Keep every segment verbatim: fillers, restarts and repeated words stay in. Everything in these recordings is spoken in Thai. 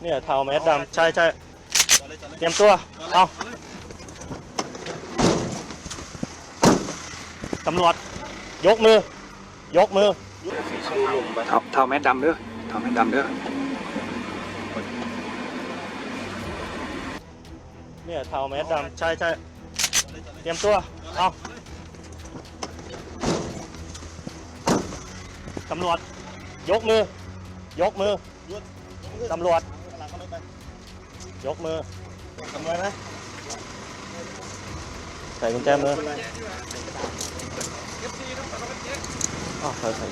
เนี่ยเทาแมสดำใช่ใช่เตรียมตัวเอาตำรวจยกมือยกมือเท้าเท้าแมสดำเด้อเท้าแมสดำเด้อเนี่ยเทาแมสดำใช่ใช่เตรียมตัวเอาตำรวจยกมือยกมือตำรวจยกมือทำไรไหมใส่กุญแจมืออ๋อใส่ใส่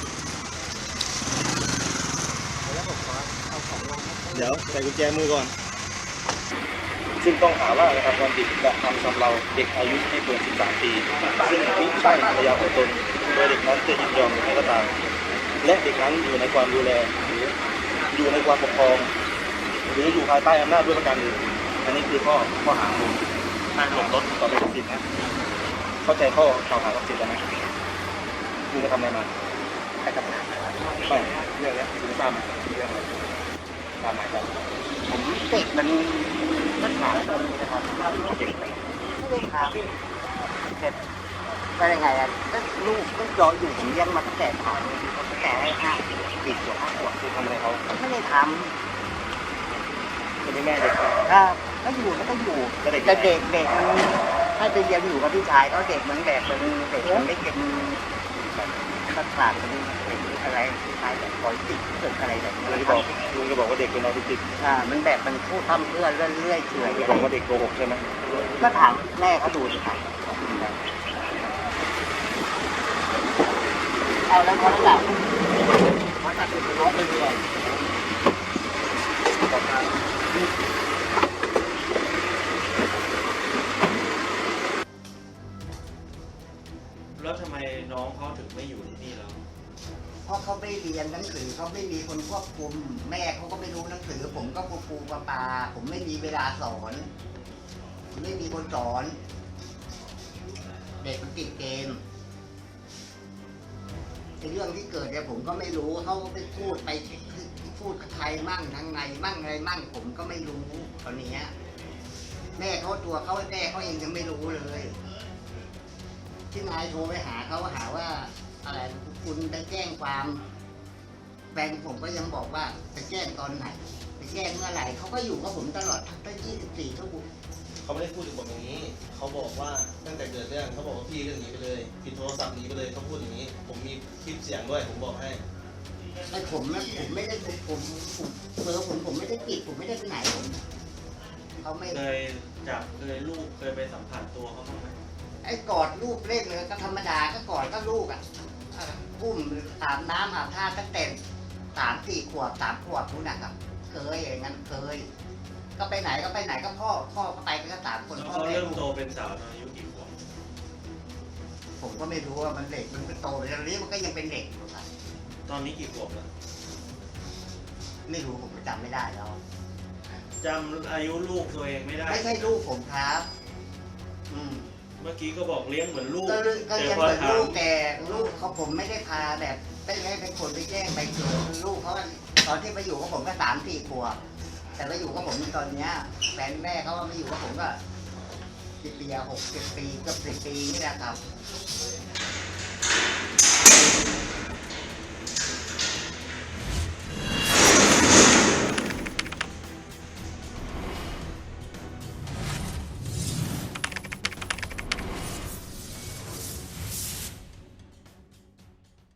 เดี๋ยวใส่กุญแจมือก่อนซึ่งต้องหาว่ากระทำความผิดกระทำชำเราเด็กอายุไม่เกินสิบสามปีซึ่งมิใช่ภรรยาของตนโดยเด็กนั้นจะยินยอมหรือไม่ก็ตามและเด็กนั้นอยู่ในความดูแลหรืออยู่ในความปกครองหรืออยู่ภายใต้อำนาจด้วยประการอื่นอันนี้คือข้อข้อหาหนึ่งห้ามหลบรถต่อไปสิทธิ์นะเข้าใจข้อกล่าวหากับสิทธิ์แล้วไหมคุณจะทำอะไรมาใครทำไม่เรื่องนี้คุณทราบไหมเรื่องอะไรตามหมายจับผมเด็กมันมันหาตรงนี้นะครับเด็กไม่ได้ถามเสร็จก็ยังไงอ่ะก็ลูกก็รออยู่ผมเลี้ยงมาตั้งแต่ถามตั้งแต่ให้ห้าปีขวบห้าขวบคือทำอะไรเขาไม่ได้ทำคุณแม่เด็กถ้าก็อยู่ก็ต้องอยู่แต่เด็กเด็กเด็กมันให้ไปเรียนอยู่กับพี่ชายเขาเด็กเหมือนแบบเป็นเด็กมันไม่เก็บตัดขาดเป็นอะไรคล้ายแบบปล่อยติดเกิดอะไรแบบนี้ลุงจะบอกลุงจะบอกว่าเด็กเป็นออทิสติกอ่ามันแบบมันพูดทำเพื่อเรื่อยเรื่อยเฉยบอกว่าเด็กโกหกใช่ไหมก็ถามแม่เขาดูสิครับเอาแล้วเขาหลับเขาตัดเป็นน้องไปเลยแล้วทำไมน้องเขาถึงไม่อยู่ที่นี่แล้วเพราะเขาไม่เรียนหนังสือเขาไม่มีคนควบคุมแม่เขาก็ไม่รู้หนังสือผมก็ปูปูปลาปลาผมไม่มีเวลาสอนไม่มีคนสอนเด็กมันติดเกมไอ้เรื่องที่เกิดเนี่ยผมก็ไม่รู้เขาไปพูดไปพูดกับใครมั่งทางไงมั่งอะไรมั่งผมก็ไม่รู้ตอนนี้แม่เขาตัวเขาแม่เขาเองยังไม่รู้เลยที่นายโทรไปหาเขาหาว่าอะไรคุณไปแจ้งความแฟนผมก็ยังบอกว่าไปแจ้งตอนไหนไปแจ้งเมื่อไหร่เขาก็อยู่กับผมตลอดทั้งยี่สิบสี่ชั่วโมงเขาไม่ได้พูดถึงผมอย่างนี้เขาบอกว่าตั้งแต่เกิดเรื่องเขาบอกว่าพี่ก็หนีไปเลยปิดโทรศัพท์หนีไปเลยเขาพูดอย่างนี้ผมมีคลิปเสียงด้วยผมบอกให้ไอ้ผมนะผมไม่ได้ผมผมเบอร์ผมผมไม่ได้ปิดผมไม่ได้ไปไหนผมเขาไม่เคยจับเคยลูกเคยไปสัมผัสตัวเขาบ้างไหมไอ้กอดลูกเล่นเลยก็ธรรมดาก็กอดก็ลูกอ่ะอุ้มอาบน้ำอาบท่าตั้งแต่สามสี่ขวบสามขวบนู้นนะครับเคยอย่างนั้นเคยก็ไปไหนก็ไปไหนก็พ่อพ่อก็ไปกันก็สามคนพ่อเริ่มโตเป็นสาวตอนอายุกี่ขวบผมก็ไม่รู้ว่ามันเด็กมันก็โตไปแล้วนี้มันก็ยังเป็นเด็กอยู่ครับตอนนี้กี่ขวบแล้วไม่รู้ผมจำไม่ได้แล้วจำอายุลูกตัวเองไม่ได้ไม่ใช่ลูกผมครับอืมเมื่อกี้ก็บอกเลี้ยงเหมือนลูกก็เลี้ยงเหมือนลูกแต่ลูกเขาผมไม่ได้พาแบบไม่ให้เป็นคนไปแจ้งไปเกิดลูกเขาตอนที่มาอยู่กับผมก็สามสี่ขวบแต่มาอยู่กับผมตอนนี้แฟนแม่เขามาอยู่กับผมก็สิบปีหกสิบปีเกือบสิบปีนี่แหละครับ